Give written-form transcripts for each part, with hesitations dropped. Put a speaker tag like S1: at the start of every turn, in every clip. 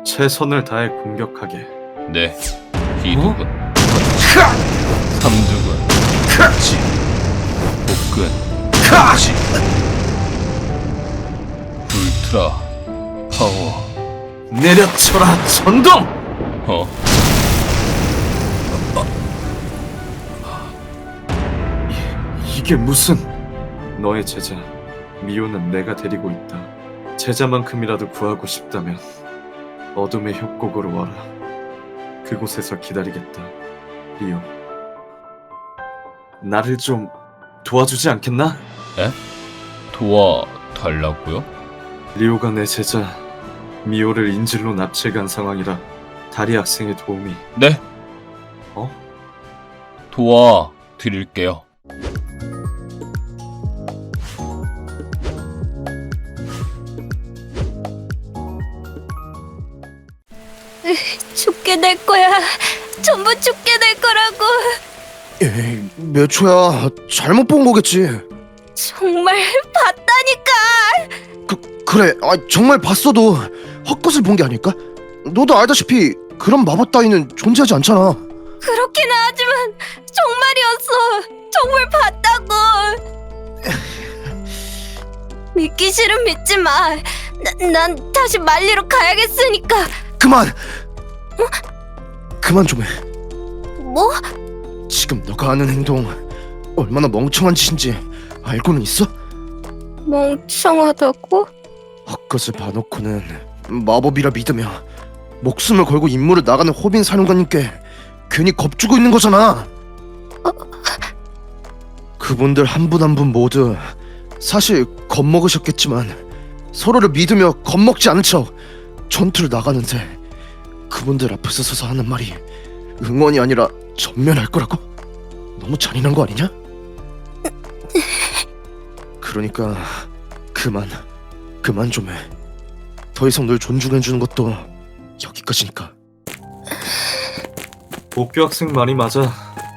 S1: 최선을 다해 공격하게.
S2: 네, 비두근, 삼두근, 지, 복근, 지, 울트라, 파워.
S1: 내려쳐라 전동!
S2: 어?
S1: 이게 무슨... 너의 제자 미호는 내가 데리고 있다. 제자만큼이라도 구하고 싶다면 어둠의 협곡으로 와라. 그곳에서 기다리겠다. 리오, 나를 좀 도와주지 않겠나?
S2: 에? 도와달라고요?
S1: 리오가 내 제자 미호를 인질로 납치해간 상황이라 다리 학생의 도움이...
S2: 네,
S1: 어?
S2: 도와드릴게요.
S3: 죽게 될 거야. 전부 죽게 될 거라고.
S4: 에이, 몇 초야. 잘못 본 거겠지.
S3: 정말 봤다니까.
S4: 그래. 정말 봤어도 헛것을 본 게 아닐까? 너도 알다시피 그런 마법 따위는 존재하지 않잖아.
S3: 그렇긴 하지만 정말이었어. 정말 봤다고. 믿기 싫으면 믿지 마. 난 다시 말리러 가야겠으니까.
S4: 그만! 그만 좀 해.
S3: 뭐?
S4: 지금 너가 하는 행동 얼마나 멍청한 짓인지 알고는 있어?
S3: 멍청하다고?
S4: 헛것을 봐놓고는 마법이라 믿으며 목숨을 걸고 임무를 나가는 호빈 사령관님께 괜히 겁주고 있는 거잖아. 그분들 한 분 한 분 모두 사실 겁먹으셨겠지만 서로를 믿으며 겁먹지 않은 척 전투를 나가는데 그분들 앞에서 서서 하는 말이 응원이 아니라 전면할 거라고? 너무 잔인한 거 아니냐? 그러니까 그만 좀 해. 더 이상 널 존중해주는 것도 여기까지니까.
S1: 옥규 학생 말이 맞아.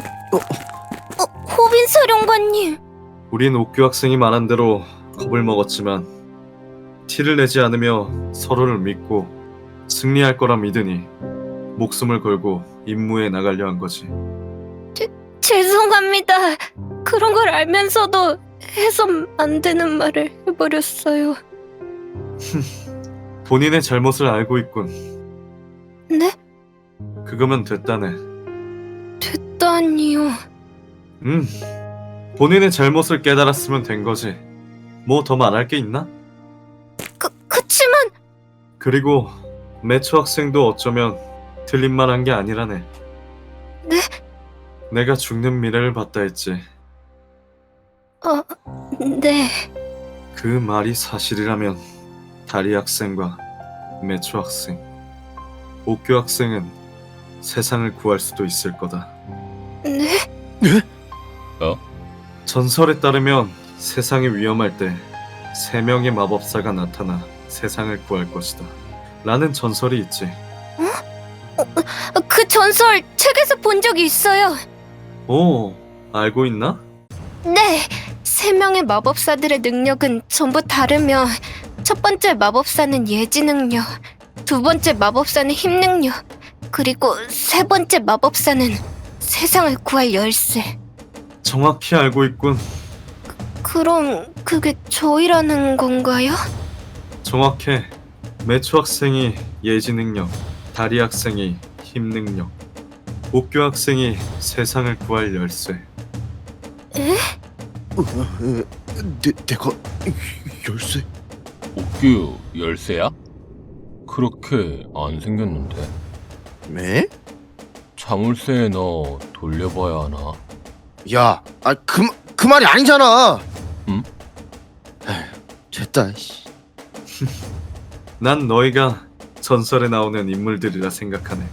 S3: 호빈 사령관님.
S1: 우린 옥규 학생이 말한 대로 겁을 먹었지만 티를 내지 않으며 서로를 믿고 승리할 거라 믿으니 목숨을 걸고 임무에 나가려 한 거지.
S3: 죄송합니다. 그런 걸 알면서도 해선 안 되는 말을 해버렸어요.
S1: 본인의 잘못을 알고 있군.
S3: 네?
S1: 그거면 됐다네.
S3: 됐다니요.
S1: 본인의 잘못을 깨달았으면 된 거지. 뭐 더 말할 게 있나?
S3: 그치만
S1: 그리고 매초 학생도 어쩌면 틀린 말 한 게 아니라네.
S3: 네?
S1: 내가 죽는 미래를 봤다 했지.
S3: 네.
S1: 그 말이 사실이라면 다리 학생과 매초 학생, 옥규 학생은 세상을 구할 수도 있을 거다.
S3: 네?
S1: 전설에 따르면 세상이 위험할 때 3명의 마법사가 나타나 세상을 구할 것이다 라는 전설이 있지.
S3: 그 전설 책에서 본 적이 있어요.
S1: 오, 알고 있나?
S3: 네. 3명의 마법사들의 능력은 전부 다르며 첫 번째 마법사는 예지 능력, 두 번째 마법사는 힘 능력, 그리고 세 번째 마법사는 세상을 구할 열쇠.
S1: 정확히 알고 있군.
S3: 그럼 그게 저희라는 건가요?
S1: 정확해. 매초 학생이 예지 능력, 다리 학생이 힘 능력, 옥규 학생이 세상을 구할 열쇠.
S3: 에?
S4: 내가 열쇠?
S2: 옥규 열쇠야? 그렇게 안 생겼는데.
S4: 네?
S2: 자물쇠에 넣어 돌려봐야 하나?
S4: 야, 그 말이 아니잖아.
S2: 응?
S4: 에휴, 됐다. 씨.
S1: 난 너희가 전설에 나오는 인물들이라 생각하네.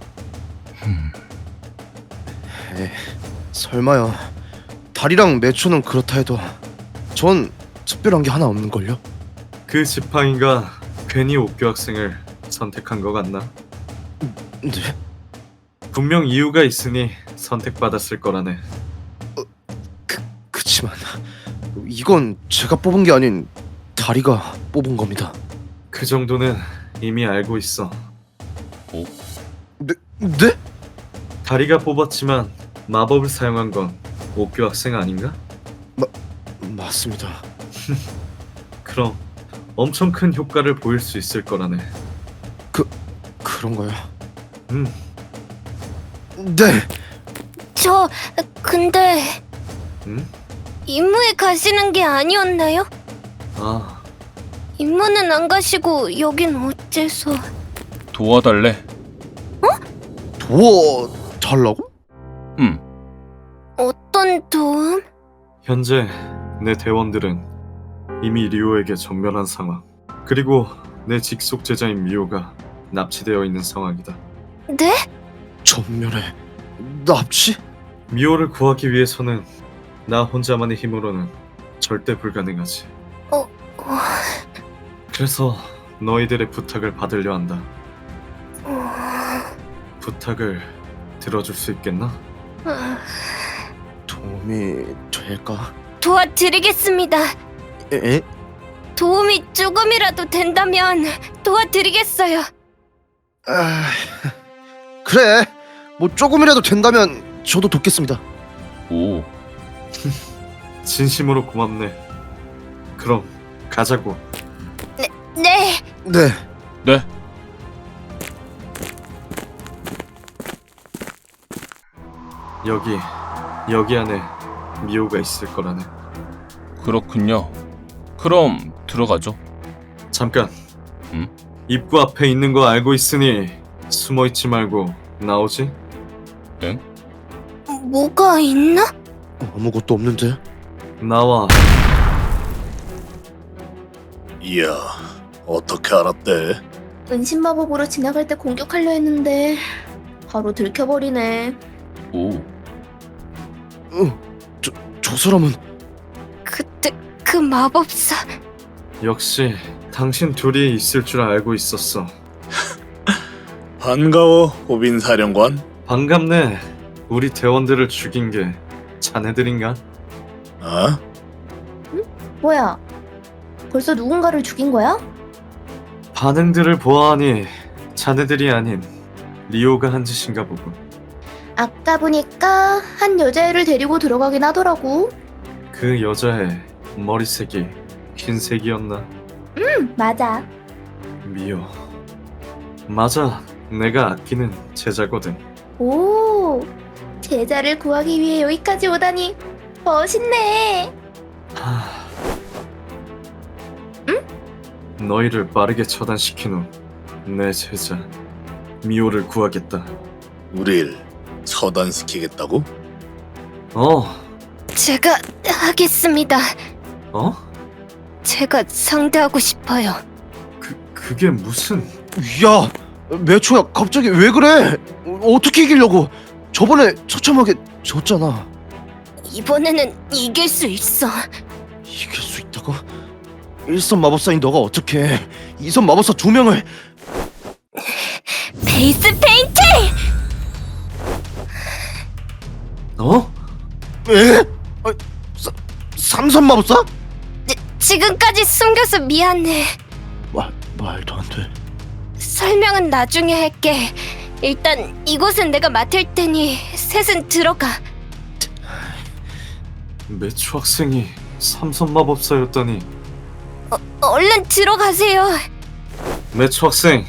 S4: 설마요. 달이랑 매초는 그렇다 해도 전 특별한 게 하나 없는걸요?
S1: 그 지팡이가 괜히 옥규 학생을 선택한 것 같나?
S4: 네?
S1: 분명 이유가 있으니 선택받았을 거라네.
S4: 그치만 이건 제가 뽑은 게 아닌 다리가 뽑은 겁니다.
S1: 그 정도는 이미 알고 있어.
S4: 네?
S1: 다리가 뽑았지만 마법을 사용한 건 옥규 학생 아닌가?
S4: 맞습니다.
S1: 그럼 엄청 큰 효과를 보일 수 있을 거라네.
S4: 그런가요?
S1: 음,
S4: 네.
S3: 근데
S1: 음?
S3: 임무에 가시는 게 아니었나요?
S1: 아,
S3: 임무는 안 가시고 여긴 어째서?
S2: 도와달래.
S4: 도와달라고?
S3: 어떤 도움?
S1: 현재 내 대원들은 이미 리오에게 전멸한 상황. 그리고 내 직속 제자인 미호가 납치되어 있는 상황이다.
S3: 네?
S4: 전멸에 납치?
S1: 미호를 구하기 위해서는 나 혼자만의 힘으로는 절대 불가능하지.
S3: 어.
S1: 그래서 너희들의 부탁을 받으려 한다.
S3: 어,
S1: 부탁을 들어줄 수 있겠나?
S4: 도움이 될까?
S3: 도와드리겠습니다.
S4: 에?
S3: 도움이 조금이라도 된다면 도와드리겠어요.
S4: 아, 그래. 뭐 조금이라도 된다면 저도 돕겠습니다.
S2: 오,
S1: 진심으로 고맙네. 그럼 가자고.
S3: 네.
S4: 네.
S2: 네.
S1: 여기 안에 미호가 있을 거라네.
S2: 그렇군요. 그럼 들어가죠.
S1: 잠깐.
S2: 응?
S1: 입구 앞에 있는 거 알고 있으니 숨어 있지 말고 나오지?
S3: 뭐가 있나?
S4: 아무것도 없는데.
S1: 나와.
S5: 이야, 어떻게 알았대?
S6: 은신마법으로 지나갈 때 공격하려 했는데 바로 들켜버리네.
S2: 오,
S4: 저 사람은
S3: 그때 그 마법사.
S1: 역시 당신 둘이 있을 줄 알고 있었어.
S5: 반가워, 호빈 사령관.
S1: 반갑네. 우리 대원들을 죽인 게 자네들인가?
S5: 어?
S6: 뭐야? 벌써 누군가를 죽인 거야?
S1: 반응들을 보아하니 자네들이 아닌 리오가 한 짓인가 보군.
S6: 아까 보니까 한 여자애를 데리고 들어가긴 하더라고.
S1: 그 여자의 머리색이 흰색이었나?
S6: 맞아.
S1: 미호. 맞아. 내가 아끼는 제자거든.
S6: 오, 제자를 구하기 위해 여기까지 오다니 멋있네.
S1: 하... 너희를 빠르게 처단시킨 후 내 제자 미호를 구하겠다.
S5: 우릴 처단시키겠다고?
S3: 제가 하겠습니다.
S1: 어?
S3: 제가 상대하고 싶어요.
S1: 그게 무슨...
S4: 야, 매초야 갑자기 왜 그래? 어떻게 이기려고? 저번에 처참하게 졌잖아.
S3: 이번에는 이길 수 있어.
S4: 이길 수 있다고? 1선 마법사인 너가 어떻게 2선 마법사 2명을
S3: 베이스 페인팅!
S1: 어?
S4: 에? 3선 마법사?
S3: 지금까지 숨겨서 미안해.
S4: 말도 안 돼.
S3: 설명은 나중에 할게. 일단 이곳은 내가 맡을 테니 셋은 들어가.
S1: 매초 학생이 삼선 마법사였다니.
S3: 얼른 들어가세요.
S1: 매초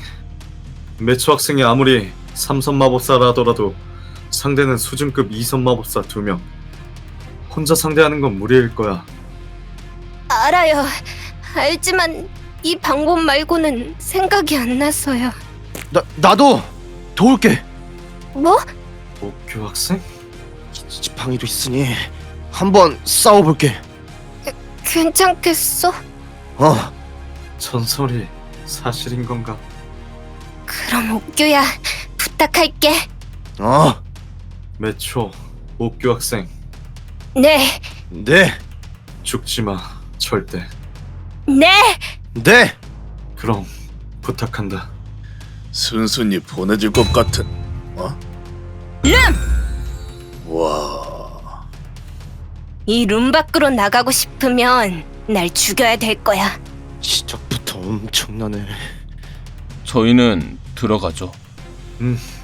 S1: 학생이 아무리 삼선 마법사라 하더라도 상대는 수준급 2선 마법사 2명. 혼자 상대하는 건 무리일 거야.
S3: 알아요. 알지만 이 방법 말고는 생각이 안 나서요.
S4: 나도 도울게.
S3: 뭐?
S1: 옥규 학생?
S4: 지팡이도 있으니 한번 싸워볼게.
S3: 괜찮겠어?
S1: 전설이 사실인 건가?
S3: 그럼 옥규야, 부탁할게.
S1: 매초 옥규 학생,
S3: 네,
S4: 네,
S1: 죽지 마. 절대.
S3: 네.
S4: 네.
S1: 그럼 부탁한다.
S5: 순순히 보내줄 것 같은. 어? 와,
S3: 이 룸 밖으로 나가고 싶으면 날 죽여야 될 거야.
S4: 시작부터 엄청나네.
S2: 저희는 들어가죠.
S1: 음,